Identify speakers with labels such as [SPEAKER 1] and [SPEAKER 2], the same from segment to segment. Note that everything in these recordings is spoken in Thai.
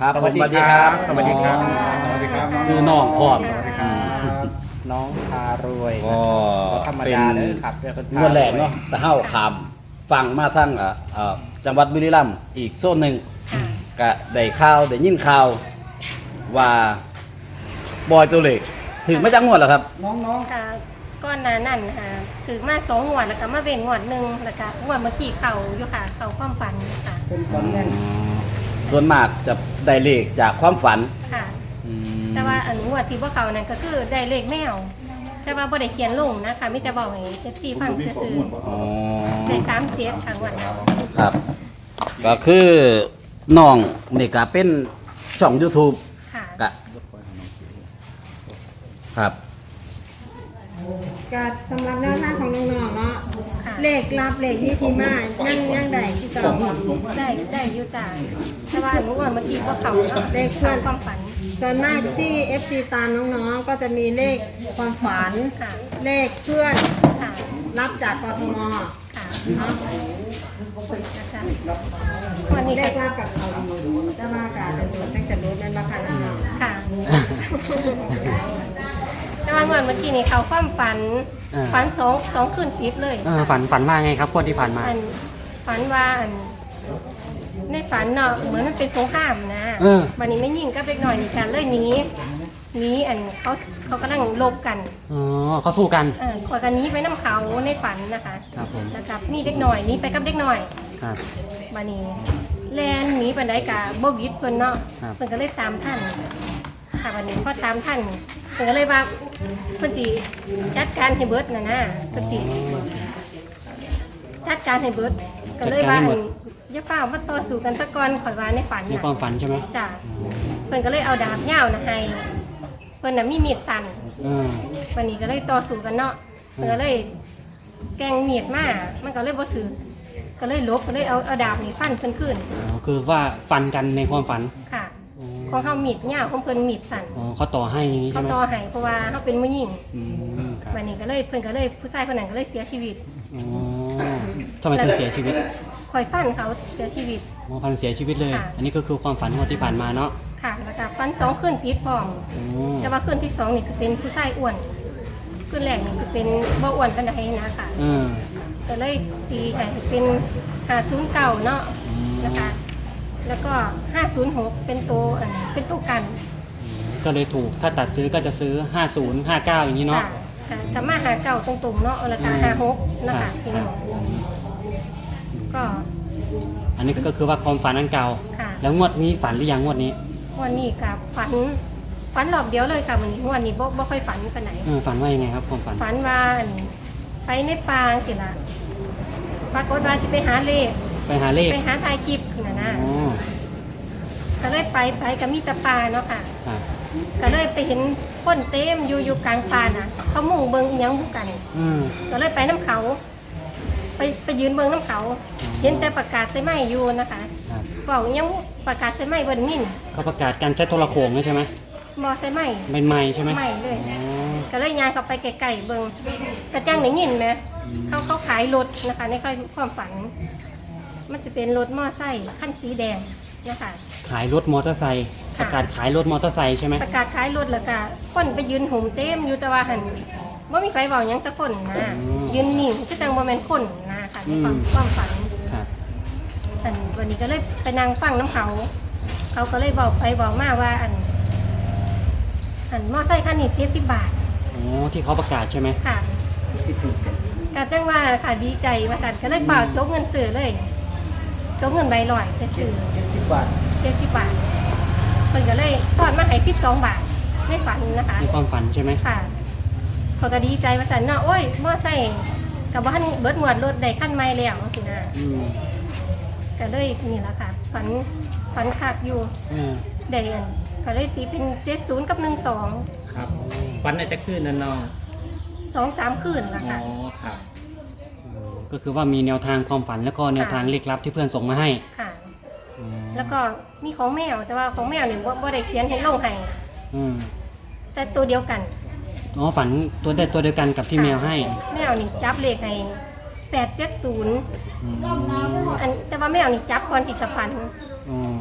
[SPEAKER 1] ครับสวัสดีครับ
[SPEAKER 2] สวัสดีครับ
[SPEAKER 3] สวัสดีครับ
[SPEAKER 1] ซื้อน้องพร้อม
[SPEAKER 2] น้องพารวย
[SPEAKER 1] ก็
[SPEAKER 2] ธรรม
[SPEAKER 1] เป็น
[SPEAKER 2] ดาเลยครับเดี๋ยวคนพาร
[SPEAKER 1] งวดแรกเนาะแต่เฮาขามฟังมาทั้งจังหวัดบุรีรัมย์อีกโซนหนึ่งก็ได้ข่าวได้ยินข่าวว่าบอยตัวเล็กถึงไม่จังงวดหรอครับ
[SPEAKER 4] ค่ะก้อนหนานั่นค่ะถือมา2 งวดแล้วก็มาเว้นงวดหนึ่งแล้วก็งวดเมื่อกี้เข่าอยู่ค่ะเข่าความฝันค่ะ
[SPEAKER 1] ส่วนมากจะได้เลขจากความฝัน
[SPEAKER 4] ค่ะ
[SPEAKER 1] อืม
[SPEAKER 4] แต่ว่าอันงวดที่พวกเขานั่นก็คือได้เลขแมว แต่ว่าบ่ได้เขียนลงนะคะมีแต่บอกให้ FC ฟังซื่อ
[SPEAKER 1] อ๋อ
[SPEAKER 4] ๆได้37ค่ะงวดนั้น
[SPEAKER 1] ครับ ก็คือน้องนี่ก็เป็นช่อง YouTube
[SPEAKER 4] ค่ะ
[SPEAKER 1] ก็ครับ
[SPEAKER 3] ก็สำหรับแนวทางของน้องๆเนาะ
[SPEAKER 4] ค่ะ
[SPEAKER 3] เลขลับเลขนี่ที่มายังได้ที่เก่า
[SPEAKER 4] ได้อยู่จ้าแต่ว่าอันงวดเมื่อกี้พวกเขาเนาะ
[SPEAKER 3] เลขเคลื่อน
[SPEAKER 4] ความฝัน
[SPEAKER 3] ส่วนมากที่ FC ตามน้องๆก็จะมีเลขความฝัน
[SPEAKER 4] ค่ะ
[SPEAKER 3] เลขเพื่อน
[SPEAKER 4] ค่ะ
[SPEAKER 3] รับจากกทม
[SPEAKER 4] ค่ะ
[SPEAKER 3] เนาะ
[SPEAKER 4] นะคะวันนี้
[SPEAKER 3] เล
[SPEAKER 4] ก็
[SPEAKER 3] ขรับกับเขาดีจะมาการจะดูตั้งแต่รู้นั่นราคาน้อง
[SPEAKER 4] ค่ะ แต่ว่างวดเมื่อกี้นี่เขาความฝัน ฝันสองคืนติดเลย
[SPEAKER 2] ฝันว่าไงครับคนที่ผ่านมา
[SPEAKER 4] อันฝันว่าอันในฝันเนาะเหมือนมันเป็นสงครามนะวันนี้ไม่ยิงก็เล็กหน่อยนี่กันเลยหนีอันเขากำลังลบกัน
[SPEAKER 2] อ๋อเขาสู้กัน
[SPEAKER 4] ขอยกันหนี้ไปน้ำเขาในฝันนะคะ
[SPEAKER 2] ครับผม
[SPEAKER 4] แล้วกับนี่เด็กหน่อยหนี่ไปกับเด็กหน่อย
[SPEAKER 2] ครับ
[SPEAKER 4] วันนี้แลนหนีไปได้กะบ่วิดเพิ่นเนาะ
[SPEAKER 2] ครับ
[SPEAKER 4] เพิ่นก็เลยตามท่านค่ะวันนี้พอตามท่านเพิ่นก็เลยว่าเพิ่นสิจัดการให้เบิดน่ะนะเพิ่นสิจัดการให้เบิดก็เลยว่าอันอย่าเฝ้ามาต่อสู้กันซะก่อนข่อยว่าในฝัน
[SPEAKER 2] ใน
[SPEAKER 4] น่ะ
[SPEAKER 2] ความฝันใช่ไหม
[SPEAKER 4] จ้ะเพิ่นก็เลยเอาดาบยาวน่ะให้เพิ่นน่ะมีมีดสั้น
[SPEAKER 2] เออ
[SPEAKER 4] วันนี้ก็เลยต่อสู้กันเนาะเพิ่นก็เลยแกล้งมีดมามันก็เลยบ่ถือก็เลยลบก็เลยเอาดาบนี่ฟันเพิ่นขึ้น
[SPEAKER 2] อ๋อคือว่าฟันกันในความฝัน
[SPEAKER 4] ค่ะ ของเขามีดยาวของเพิ่นมีดสั้น
[SPEAKER 2] อ๋อเขาต่อให้อย่างนี้
[SPEAKER 4] เขา
[SPEAKER 2] ใช่ไหม
[SPEAKER 4] ต่อให้เพราะว่าเขาเป็นผู้หญิง
[SPEAKER 2] อืมครับ
[SPEAKER 4] วันนี้ก็เลยเพิ่นก็เลยผู้ชายคนนั้นก็เลยเสียชีวิต
[SPEAKER 2] อ๋อทำไมถึงเสียชีวิต
[SPEAKER 4] คอยฟันเขาเสียชีวิต
[SPEAKER 2] อ๋อพันเสียชีวิตเลย
[SPEAKER 4] ค่ะ
[SPEAKER 2] อันนี้ก็คือความฝันของที่ผ่านมาเนาะ
[SPEAKER 4] ค่ะแล้วก็ฟัน2คืนติดพร้อม
[SPEAKER 2] อ๋อ
[SPEAKER 4] แต่ว่าคืนที่2นี่สิเป็นผู้ชายอ้วนคืนแรกนี่สิเป็นบ่อ้วนปานใดนะค่ะ
[SPEAKER 2] เออ
[SPEAKER 4] ก็เลยตีให้เป็น509เนาะนะคะแล้วก็506เป็นตัวเป็นตัวกัน
[SPEAKER 2] ก็เลยถูกถ้าตัดซื้อก็จะซื้อ 50 59 อย่างนี้เนาะ
[SPEAKER 4] ค่ะถ้ามาหาเก่าตรงๆเนาะแล้วก็56นะคะพี่น้องก็
[SPEAKER 2] อันนี้ก็คือว่าความฝันอันเก่า
[SPEAKER 4] ค่ะ
[SPEAKER 2] แล้วงวดนี้ฝันหรือยังงวดนี้
[SPEAKER 4] วันนี้กับฝันรอบเดียวเลยค่ะวันนี้วันนี้บ่ค่อยฝันปานไหน
[SPEAKER 2] ฝันว่ายังไงครับความฝัน
[SPEAKER 4] ฝันว่าไปในป่าสิล่ะปรากฏว่าสิไปหาเลข
[SPEAKER 2] ไปหาเลข
[SPEAKER 4] ไปหาถ่ายคลิปน่ะนะ
[SPEAKER 2] อ๋อ
[SPEAKER 4] ก็เลยไปกับมีแตะปลาเนาะค่ะ
[SPEAKER 2] ครับ
[SPEAKER 4] ก็เลยไปเห็นคนเต็มอยู่กลางป่าน่ะ เขามุ่งเบิ่งอีหยังบุกัน
[SPEAKER 2] อืม
[SPEAKER 4] ก็เลยไปน้ำเขา ไปยืนเบิ่งน้ำเขา เห็นแต่ประกาศใส่ไม้อยู่นะคะ
[SPEAKER 2] ครับ
[SPEAKER 4] บอกอีหยังประกาศใส่ไม้บ่ได้ยิน
[SPEAKER 2] เขาประกาศการใช้โทรโขงใช่ไหม
[SPEAKER 4] บ่ใส่ไม้
[SPEAKER 2] ใหม่ๆใช่ไหม
[SPEAKER 4] ไม้เลย
[SPEAKER 2] อ๋อ
[SPEAKER 4] ก็เลยย่างเข้าไปไกลๆเบิ่งกระจังได้ยินไหมเขาขายรถนะคะในความฝัน มันจะเป็นรถมอไซค์คันสีแดงนะคะ
[SPEAKER 2] ขายรถมอเตอร์ไซค์ป
[SPEAKER 4] ค่ะ
[SPEAKER 2] ระกาศขายรถมอเตอร์ไซค์ใช่ไหม
[SPEAKER 4] ประกาศขายรถแล้วก็คนไปยืนหุ่มเต็มอยู่แต่ว่าหันว่ามีไฟเบาหยังจะคนนะยืนนิ่งก็จังบ่แม่นคนนะคะในความฝัน
[SPEAKER 2] ครับ
[SPEAKER 4] อันวันนี้ก็เลยไปนั่งฟังน้ำเขา เขาก็เลยบอกไปบอกมาว่าอันมอไซค์คันนี้70 บาท
[SPEAKER 2] อ๋อที่เขาประกาศใช่ไหม
[SPEAKER 4] ค่ะกาจังว่าค่ะดีใจว่าสันก็เลยเปล่าโจกเงินซื้อเลยโจกเงินใบลอยไปซื้อ70 บาทเพิ่นก็เลยทอดมาให้12 บาทไม่ฝันนะคะ
[SPEAKER 2] ในความฝันใช่ไหม
[SPEAKER 4] ค่ะเขาก็ดีใจว่าสันเนาะโอ้ยมอไซค์กับบ้านเบิดหมวดรถได้ขั้นใหม่แล้วสินะ
[SPEAKER 2] อืม
[SPEAKER 4] ก็เลยนี่แหละค่ะฝันคักอยู่
[SPEAKER 2] เออ
[SPEAKER 4] ได้อันก็เลยตีเป็น70กับ12
[SPEAKER 5] ครับฟันอาจจะขึ้นนั่นเนาะ
[SPEAKER 4] 2-3 คืนละ
[SPEAKER 5] อ๋อ
[SPEAKER 4] ค่ะ
[SPEAKER 5] ครับ
[SPEAKER 2] ก็คือว่ามีแนวทางความฝันแล้วก็แนวทางลึกลับที่เพื่อนส่งมาให้
[SPEAKER 4] ค่ะ
[SPEAKER 2] อ๋อ
[SPEAKER 4] แล้วก็มีของแมวแต่ว่าของแมวเนี่ยว่าได้เขียนให้ลงให้
[SPEAKER 2] อืม
[SPEAKER 4] แต่ตัวเดียวกัน
[SPEAKER 2] อ๋อฝันตัวเดียวกันกับที่แมวให้
[SPEAKER 4] แมวนี่จับเลขให้870
[SPEAKER 2] อืม
[SPEAKER 4] อันแต่ว่าแมวนี่จับก่อนที่จะฝัน
[SPEAKER 2] อ๋อ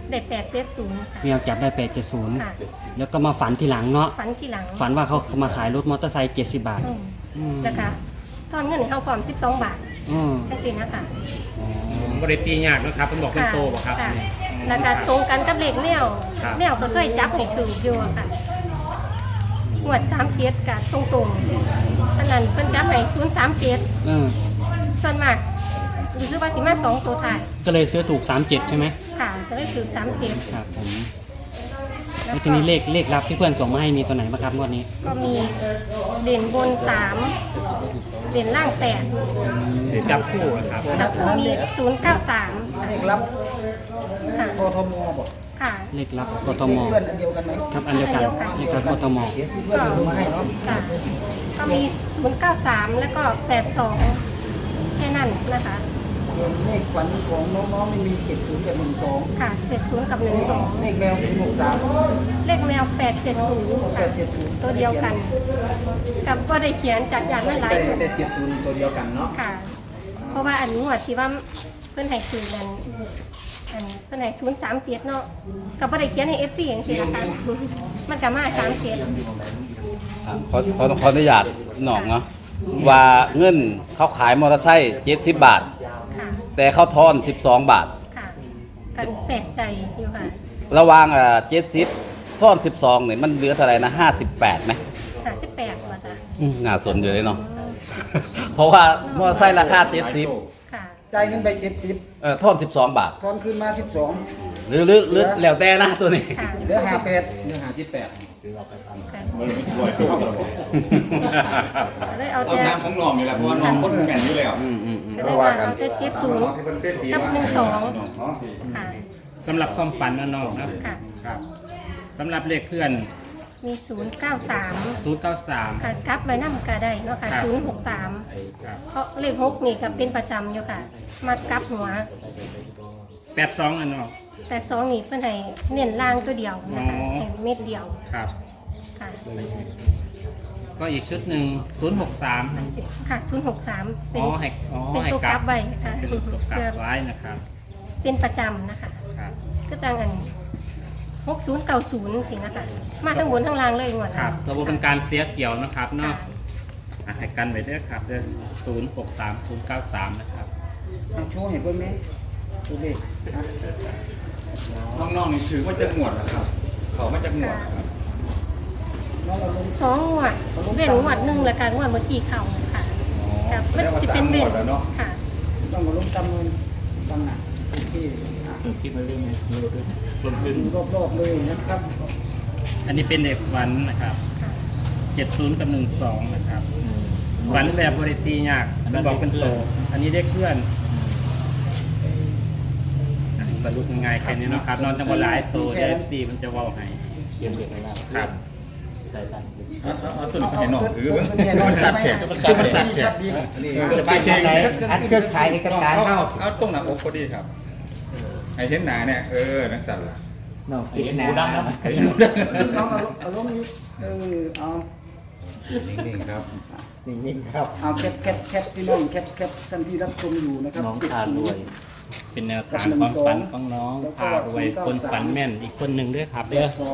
[SPEAKER 4] ได้870ค่ะ
[SPEAKER 2] แมวจับได้
[SPEAKER 4] ค่ะ
[SPEAKER 2] 870แล้วก็มาฝันทีหลังเนาะ
[SPEAKER 4] ฝันทีหลัง
[SPEAKER 2] ฝันว่าเขามาขายรถมอเตอร์ไซค์70 บาท
[SPEAKER 4] อืมแล้วก็ทอนเงินให้เขาพร้อม12 บาท
[SPEAKER 2] อืม
[SPEAKER 4] แค่สินะคะ
[SPEAKER 5] บริตียากนะครับเป็นบอกเป็นโตบ่ครับ
[SPEAKER 4] ะแล้วก็ตรงกันกับเลขแนว
[SPEAKER 5] ครับ
[SPEAKER 4] แนวก็เคยจับให้ถืออยู่อะค่ะงวด37กับตรงๆอันนั้นเพิ่นจับให้037
[SPEAKER 2] เออ
[SPEAKER 4] ส่วนมากรู้สึกว่าสิมา2ตัวท้าย
[SPEAKER 2] ก็เลยซื้อถูก 37 ใช่ไหม
[SPEAKER 4] ค่ะก็เลยถือ37
[SPEAKER 2] ครับผมแล้วทีนี้เลขลับที่เพื่อนส่งมาให้มีตัวไหนบ้างครับงวดนี้
[SPEAKER 4] ก็มีเด่นบน3เด่นล่าง8
[SPEAKER 5] หรือจับคู่นะครับ
[SPEAKER 4] แล้วก็มี093
[SPEAKER 6] เลขลับ
[SPEAKER 4] ค่ะ
[SPEAKER 6] กทมบอก
[SPEAKER 4] ค่ะ
[SPEAKER 2] เลขลับกทม
[SPEAKER 6] เพื่อนอันเดียวกันไหม
[SPEAKER 2] ครับอันเดียวกันเลขลับกทม
[SPEAKER 6] ที่เพื่อนส่งมาให้เนาะ
[SPEAKER 4] ค่ะก็มี093แล้วก็82แค่นั้นนะคะ
[SPEAKER 6] ส่วนเลขฝันของน้องๆไม่มี70กับ12
[SPEAKER 4] ค่ะ70กับ
[SPEAKER 6] เลขแมว063
[SPEAKER 4] 12เลขแมว870ค่ะ
[SPEAKER 6] 870
[SPEAKER 4] ตัวเดียวกัน กับก็ได้เขียนจากอย่างนั้นหลายตัว
[SPEAKER 5] ได้70ตัวเดียวกันเนาะ
[SPEAKER 4] ค่ะ เพราะว่าอันนี้หัวดที่ว่าเพื่อนให้คือนั้นอันเพื่อนให้037เนาะกับก็ได้เขียนให้ FC อย่างสินะคะมันก็มา37
[SPEAKER 1] ขออนุญาตหนองเนาะว่าเงินเขาขายมอเตอร์ไซค์70 บาท
[SPEAKER 4] ค่ะ
[SPEAKER 1] แต่เขาทอน12 บาท
[SPEAKER 4] ค่ะกันแปลกใจอยู่ค่ะ
[SPEAKER 1] ระหว่าง70ทอน12เนี่ยมันเหลือเท่าไหร่นะ58ไหม
[SPEAKER 4] 58ว่าจ้ะ
[SPEAKER 1] น่าสนอยู่เลยเนาะ เพราะว่ามอเตอร์ไซค์ราคา70
[SPEAKER 4] ค่ะ
[SPEAKER 6] จ่ายเงินไป70
[SPEAKER 1] ทอน12 บาท
[SPEAKER 6] ทอนคืนมา12
[SPEAKER 1] หรือแล้วแต่นะตัวนี้
[SPEAKER 4] ค่ะ
[SPEAKER 6] เหลือ58
[SPEAKER 5] เนื้อหา18
[SPEAKER 4] ได้เอา
[SPEAKER 7] เอา
[SPEAKER 4] แต่
[SPEAKER 7] น้ำของน้องนี่แหละเพราะว่าน้องคนแม่นอยู่แล้ว
[SPEAKER 4] ก็ได้ว่าเอาแต่70กับ12ค่ะ
[SPEAKER 5] สำหรับความฝันนะน้องนะ
[SPEAKER 4] ค่ะ
[SPEAKER 5] ครับสำหรับเลขเพื่อน
[SPEAKER 4] มี093
[SPEAKER 5] 093
[SPEAKER 4] ค่ะกลับไปนำก็ได้เนาะค่ะ
[SPEAKER 5] ครับ
[SPEAKER 4] 063
[SPEAKER 5] ครับ
[SPEAKER 4] เพราะเลข6นี่ก็เป็นประจำอยู่ค่ะ มากลับหัว
[SPEAKER 5] 82นะน้อง
[SPEAKER 4] แต่2นี่เพิ่นให้เน้นล่างตัวเดียวนะคะ
[SPEAKER 5] อ๋อ
[SPEAKER 4] ให้เม็ดเดียว
[SPEAKER 5] ครับ
[SPEAKER 4] ค่ะ
[SPEAKER 5] ก็อีกชุดหนึ่ง063
[SPEAKER 4] ค่ะ063เป็น เป็น
[SPEAKER 5] ให้
[SPEAKER 4] ตัว
[SPEAKER 5] ก
[SPEAKER 4] ก
[SPEAKER 5] ลั
[SPEAKER 4] ลั
[SPEAKER 5] บบ
[SPEAKER 4] ไว้ค่ะ
[SPEAKER 5] เป็นตัวกลั
[SPEAKER 4] เพื่อบ
[SPEAKER 5] ไว้นะครับ
[SPEAKER 4] เป็นประจำนะคะ
[SPEAKER 5] ครับ
[SPEAKER 4] ก็จังอัน6090สินะคะมาทั้งบนทั้งล่างเลยงวด
[SPEAKER 5] ครับระบบเป็นการเสียเขียวนะครับ
[SPEAKER 4] ค่ะ
[SPEAKER 5] เนาะให้กันไว้ด้วยครับเด้อ063093นะครับ
[SPEAKER 6] เอาโชว์ให้เพิ่นแม่ตัวเลขนะ
[SPEAKER 7] น้องๆนี่ถือว่าจะหมวดนะครับ เขามาจากหมวดครับ
[SPEAKER 6] น้องเราลง
[SPEAKER 4] สองงวดเว้นงวดหนึ่งแล้วกันงวดเมื่อกี้เข่าค่ะกับมันจะเป็นเว้นค่ะ
[SPEAKER 6] ต้องมาลงจำนวนตั้งหนักโอเคอ่ะ
[SPEAKER 5] คิดมาเรื่องนี้รวมถึง
[SPEAKER 6] ดูรอบๆเลยนะครับ
[SPEAKER 5] อันนี้เป็นเด็กฝันนะครับ70กับ12นะครับฝันแบบบริตียากมันบอกเป็นโตอันนี้เด็กเพื่อนสรุปง่ายๆแค่นี้นะครับนอนจังหวะหลายโตเดฟซีมันจะเว่าให้ครับ
[SPEAKER 7] เอาตัวนี้ไปให้น้องถือเบิ่งมันสัตว์แขกคือมันสัตว์แขกจะไปเชียงไหน
[SPEAKER 6] อันเครื่องขายเอกสาร
[SPEAKER 7] เอาตรงหน้าอกพอดีครับให้เห็นหน้าเนี่ยนักสัตว์ล่ะ
[SPEAKER 6] น้องติดหมูดำนะน้องเอาลงนี้เอา
[SPEAKER 7] นิ่งๆครับ
[SPEAKER 6] นิ่งๆครับเอาแคปพี่น้องแคปท่านที่รับชมอยู่นะครับน้องทานด้วย
[SPEAKER 5] เป็นแนวทางความฝันของน้องพารวยคนฝันแม่นอีกคนหนึ่งด้วยครับเด้อ
[SPEAKER 6] สอง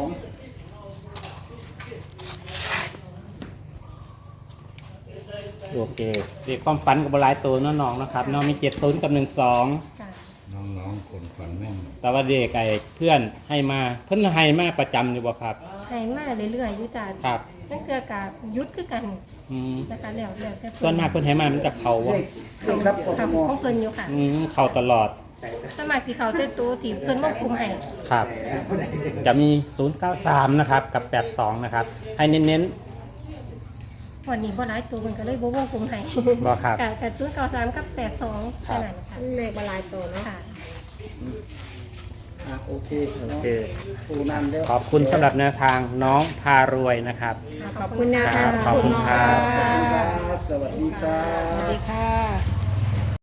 [SPEAKER 5] โอเคเด็กความฝันกับบหลายตัวเนาะน้องนะครับน้องมี70กับ12
[SPEAKER 4] ค่ะ
[SPEAKER 7] น้องๆคนฝันแม่น
[SPEAKER 5] แต่ว่าเด็กไอ้เพื่อนให้มาเพิ่นให้มาประจำอยู่บ่ครับ
[SPEAKER 4] ให้มาเรื่อยๆอยู่จ้ะ
[SPEAKER 5] ครับ
[SPEAKER 4] นั่นคือการยุดคือกัน
[SPEAKER 5] อืม
[SPEAKER 4] นะคะแล้วแต่
[SPEAKER 5] ส่วนมากเพิ่นให้มามันจะเข้า
[SPEAKER 6] เล
[SPEAKER 5] บ่
[SPEAKER 6] ขรับก
[SPEAKER 4] ค่ะ
[SPEAKER 6] ทม
[SPEAKER 4] ของเพิ่นอยู่ค่ะ
[SPEAKER 5] เข้าตลอด
[SPEAKER 4] สมัครที่เขาได้ตัวที่เพิ่นวงกลุ่มให้
[SPEAKER 5] ครับ จะมี093นะครับกับ82นะครับให้เน้น
[SPEAKER 4] วันนี้บ่หลายตัวมันก็เลยบ่วงกลุ่มให้
[SPEAKER 5] บ่ครับ
[SPEAKER 4] กับ093กับ82แค่นั้นค่ะ
[SPEAKER 3] เลขบลายตัวเนาะ
[SPEAKER 4] ค่ะ
[SPEAKER 6] โอเค
[SPEAKER 5] ๆโอเค
[SPEAKER 6] ปูนานแล้ว
[SPEAKER 5] ขอบคุณสำหรับแนวทางน้องพารวยนะครับ
[SPEAKER 3] ขอบคุณนะ
[SPEAKER 5] ครั
[SPEAKER 3] คะ
[SPEAKER 5] บขอบคุณครับ
[SPEAKER 6] สวัสดีครับ
[SPEAKER 3] สวัสดีค่ะ